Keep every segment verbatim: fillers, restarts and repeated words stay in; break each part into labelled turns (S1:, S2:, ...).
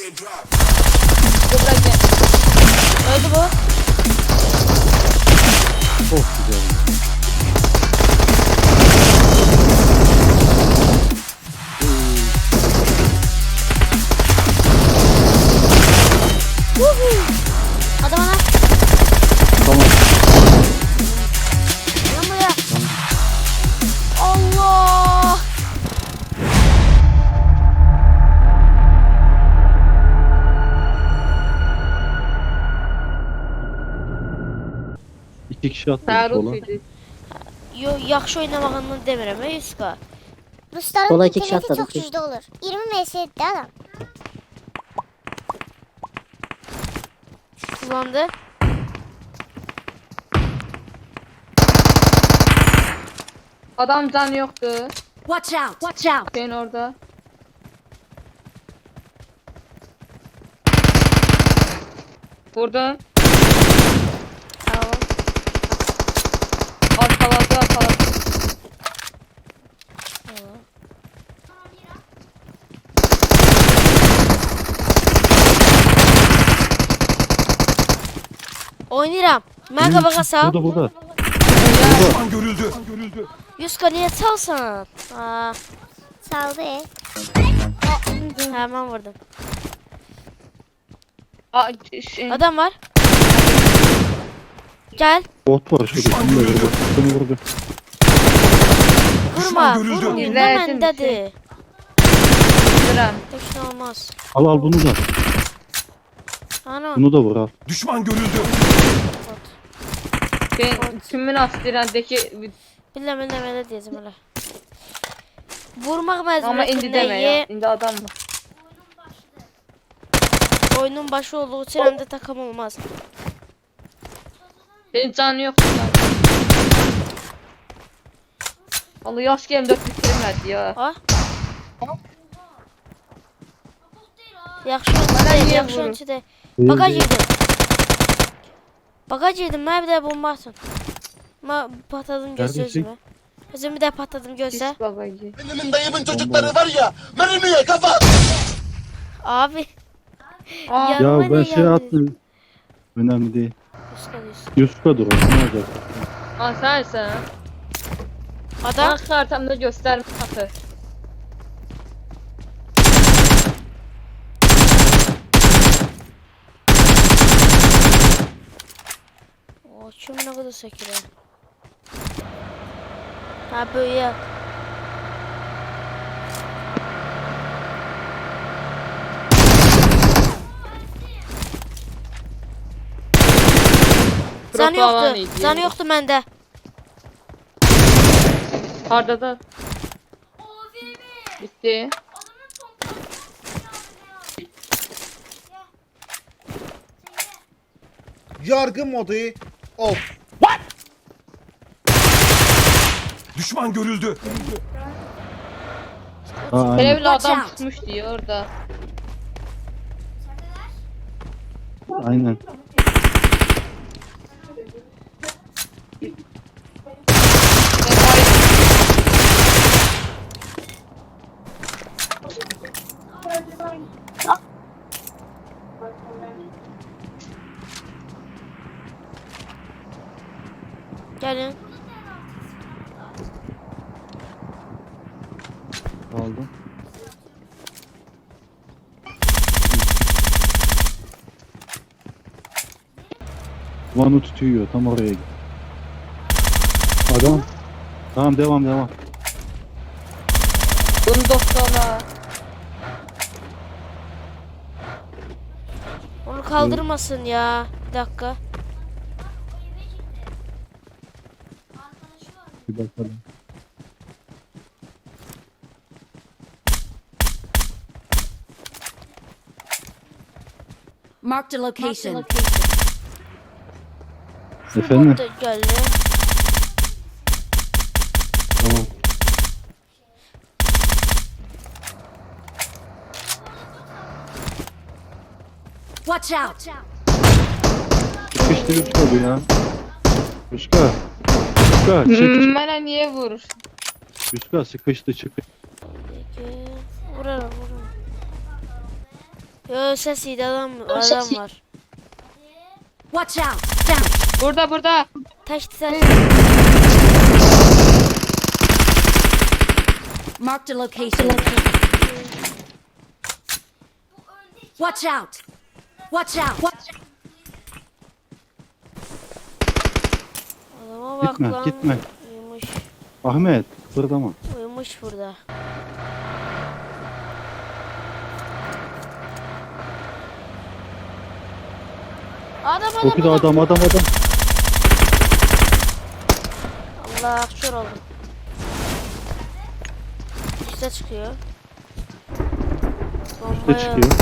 S1: Burada gel.
S2: Öldü bu.
S3: Çok güzel.
S2: Adam ana.
S3: Tamam.
S2: Lan buraya. Allah.
S3: İki kişi atladı
S1: Tarık
S3: sola.
S1: idi.
S2: Yo, yaxşı oynamağını demirəm, ey Yuska.
S4: Rusların
S5: Sola iki kişi
S4: interneti
S5: atladı.
S4: çok güçlü olur. yirmi M S etti adam.
S2: Kullandı.
S1: Adam can yoktu.
S6: Watch out! Watch out!
S1: Sen orada. Vurdun.
S2: Tamam.
S1: Arkaladı arkaladı.
S2: Tamam. Oynayıram. Mən qabağa sal.
S3: Burada burada.
S7: Düşman görüldü. Görüldü.
S2: Yuska niye çalsan? Aa,
S4: Saldı.
S2: hemen vurdum.
S1: Aa, şey,
S2: Adam var. Gel.
S3: Bot var şurada. Bunu da vurdu. Bunu vurdu.
S2: Vurma.
S7: Düşman görüldü.
S2: Vurma. Ne
S1: İzlersin
S2: məndədir?
S1: Duran.
S2: Tek şey olmaz.
S3: Al al bunu da.
S2: Ana.
S3: Bunu da vur al.
S7: Düşman görüldü.
S1: Ben kimin astirendeki
S2: Bilmem bilmem elə deyəcəm elə. Vurmaq
S1: ama indi
S2: məcburiyyətində
S1: deme ya.
S2: ye.
S1: İndi adam var.
S2: Oyunun başı olduğu üçün həm də takım olmaz.
S1: Senin canı yok. Allah yaş gelin dört bitirmedi ya.
S2: Ha? Yaxşı
S1: Bana
S2: oyunçu
S1: niye
S2: yaxşı
S1: vurur?
S2: oyunçu deyil.
S3: Değil,
S2: Bagaj
S3: değil.
S2: yedim. Bagaj yedim, mənə bir də bomba atın. Ma patladım gözlə
S3: Neredesin?
S2: özümə. Özüm bir də patladım gözlə.
S1: Pis babacı.
S8: Benim dayımın çocukları var ya, mermiye kafa.
S2: Abi.
S1: Aa,
S2: Yanıma
S3: Ya ben
S2: ne
S3: şey
S2: geldi?
S3: attım. Önemli değil.
S2: Yuska, yuska.
S3: Yuska dur o. Ne olacak?
S1: aa sensin.
S2: Adam.
S1: Bak haritamda gösterme takı.
S2: O kim ne kadar sekiyor. Ha böyle. Canı
S1: Propavan
S2: yoktu.
S1: idi.
S2: Canı yoktu mende.
S1: Harda da. Bitti.
S8: Yargı modu off.
S7: Düşman görüldü.
S3: Ha, aynen.
S1: Televizyon
S6: Watch
S1: adam
S6: out.
S1: tutmuş diyor orada.
S3: Aynen.
S1: Ben bayıldım.
S2: Gelin.
S3: Aldım. Vanı tutuyor. Tam oraya git. Adam. Tamam devam devam.
S1: Bunu doktorla.
S2: Onu kaldırmasın ya. Bir dakika.
S3: Bir bakalım.
S6: Marked a location.
S3: Efendim?
S2: Bot da geldi.
S3: Tamam.
S6: Watch out!
S3: Sıkıştı Yuska bu ya. Yuska. Yuska çık.
S1: Hmm, bana niye vurur?
S3: Yuska sıkıştı çık.
S2: Peki. Vurarım vurarım. Yo sesiydi adam, adam var.
S6: Watch out! Down!
S1: Burada burada.
S2: Taştı taş.
S6: Marked a location. Watch out! Watch out!
S2: Adama bak
S3: Gitme,
S2: lan.
S3: gitme.
S2: Uyumuş.
S3: Ahmet kıpırdama.
S2: Uyumuş burada. Adam adam
S3: Çok da
S2: adam.
S3: adam adam adam.
S2: Allah kör oldum. Üste çıkıyor.
S3: Üste
S2: Bombaya-
S3: çıkıyor.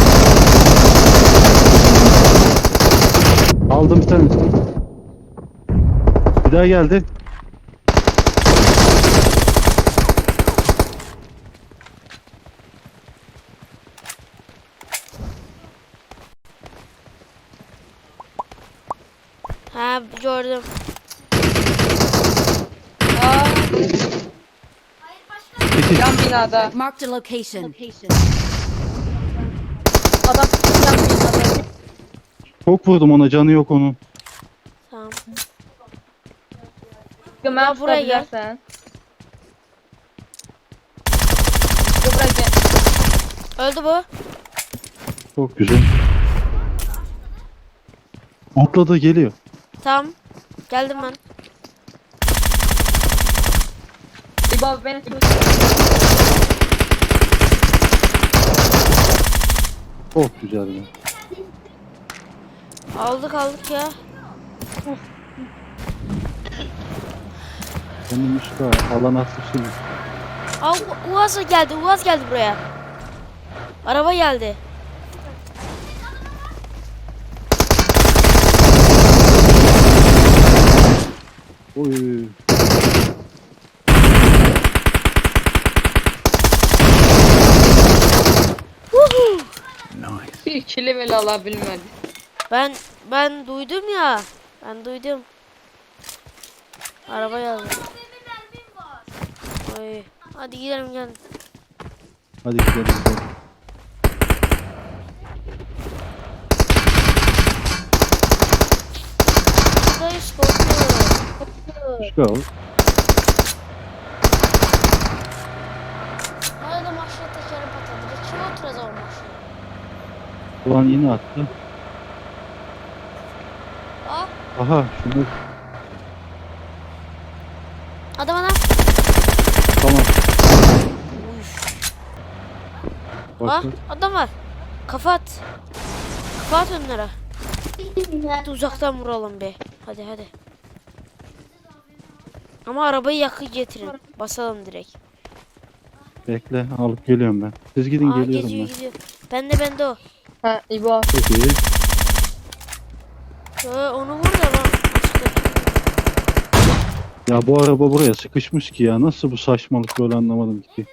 S3: Aldım bir tanesini. Bir daha geldi.
S2: Ha gördüm.
S1: Aa,
S3: Sekiz.
S1: yan binada.
S6: Marked a location.
S1: Adam yan binada.
S3: Çok vurdum ona, canı yok onun.
S2: Tamam.
S1: Gömer
S2: buraya gel.
S1: sen. Buraya gel.
S2: Öldü bu.
S3: Çok güzel. Atladı, geliyor.
S2: Tamam. Geldim ben.
S1: İbo abi beni tut.
S3: Çok güzel ya.
S2: Aldık aldık ya.
S3: Benim işte alan atmışım.
S2: Aa U- Uaz geldi. Uaz geldi buraya. Araba geldi.
S3: Oy.
S1: Bir ikili bile alabilmedi.
S2: Ben ben duydum ya. Ben duydum. Araba geldi. Oy. Hadi gidelim gel.
S3: Hadi gidelim. gidelim.
S2: Buradayız korkuyorum.
S3: Çıkar.
S2: Nerede maşına tekerim patladı. Kim oturacak o maşına?
S3: Ulan yine attı.
S2: Aa
S3: Aha şunu
S2: adam adam.
S3: tamam.
S2: Aa
S3: Bak,
S2: adam var. Kafa at. Kafa at onlara. Hadi uzaktan vuralım be. Hadi hadi. Ama arabayı yakı getirin. Basalım direkt.
S3: bekle, alıp geliyorum ben. Siz gidin,
S2: Aa
S3: geliyorum
S2: geziyor
S3: ben.
S2: gidiyor. Bende bende o.
S1: Ha İbo.
S3: Çok iyi.
S2: Ee, onu vur da lan.
S3: Ya bu araba buraya sıkışmış ki ya. Nasıl bu saçmalık böyle, anlamadım ki.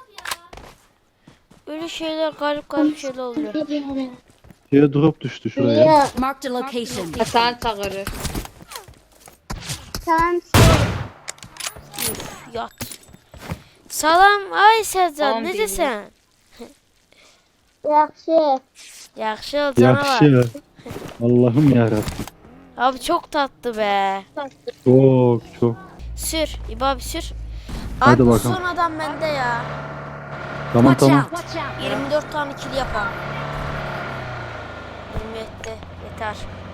S2: Öyle şeyler garip garip şeyler oluyor.
S3: Şeye drop düştü şuraya.
S6: Marked a location.
S1: Hasan çağırır.
S4: Tamam.
S2: Üf, yat. Salam ay Sercan
S1: Salam
S2: ne
S1: deyim.
S2: desen?
S4: Yaxşı.
S2: Yaxşı ol canavar.
S3: Yakşı. Allah'ım yarabbim.
S2: Abi çok tatlı be.
S3: Çok çok.
S2: Sür. İbo abi sür.
S3: Hadi
S2: Abi
S3: bakalım.
S2: son adam bende ya.
S3: Tamam
S6: Watch
S3: tamam.
S6: out! Watch out!
S2: yirmi dört tane kill yapalım. Benim yetti. Yeter.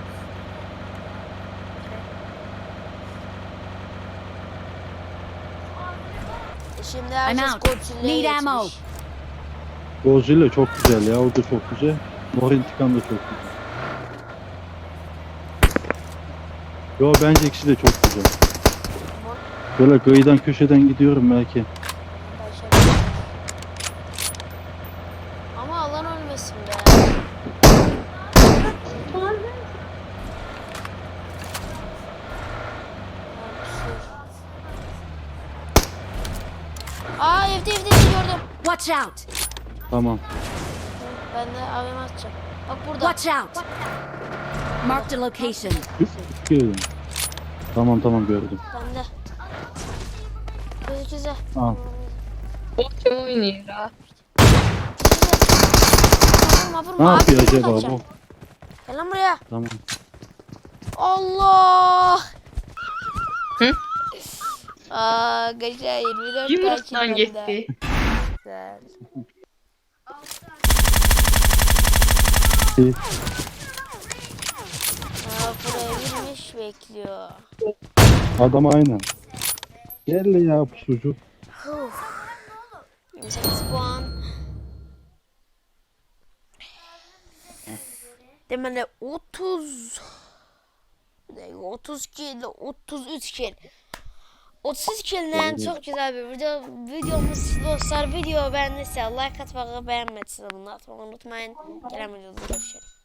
S2: E Şimdi herkes
S6: out.
S2: Godzilla'ya
S6: Need ammo.
S2: geçmiş.
S3: Godzilla çok güzel ya. O da çok güzel. Mor intikam da çok güzel. Yo bence ikisi de çok güzel. Böyle kıyıdan köşeden gidiyorum belki.
S2: Ama alan ölmesin be. Aa evde evde evde gördüm.
S6: Watch out!
S3: Tamam.
S2: Ben de abime atacağım. Bak burada.
S6: Watch out! Marked a location.
S3: Gördüm. Tamam tamam gördüm.
S2: Bende. Gözü güzel.
S3: Al.
S1: O kim oynuyor ha?
S2: vurma
S3: Ne
S2: vurma.
S3: yapıyor
S2: Abi,
S3: acaba
S2: kaçacağım.
S3: bu?
S2: Gel lan buraya.
S3: Tamam.
S2: Allah.
S1: Hı?
S2: Aa, geçen yirmi dört
S1: Yumruktan
S2: belki bende.
S1: gitti.
S2: Güzel.
S3: İyi.
S2: Aa, buraya girmiş bekliyor.
S3: Adam aynen. Gel ya bu sucuk.
S2: yirmi sekiz puan. Demeli otuz. Ne, otuz kill, otuz üç kill. otuz üç kill'den çok güzel bir video. Videomuz dostlar. Video beğendiyse like atmayı, beğenmediyseniz bunu atmayı unutmayın. Gelen videoda görüşelim.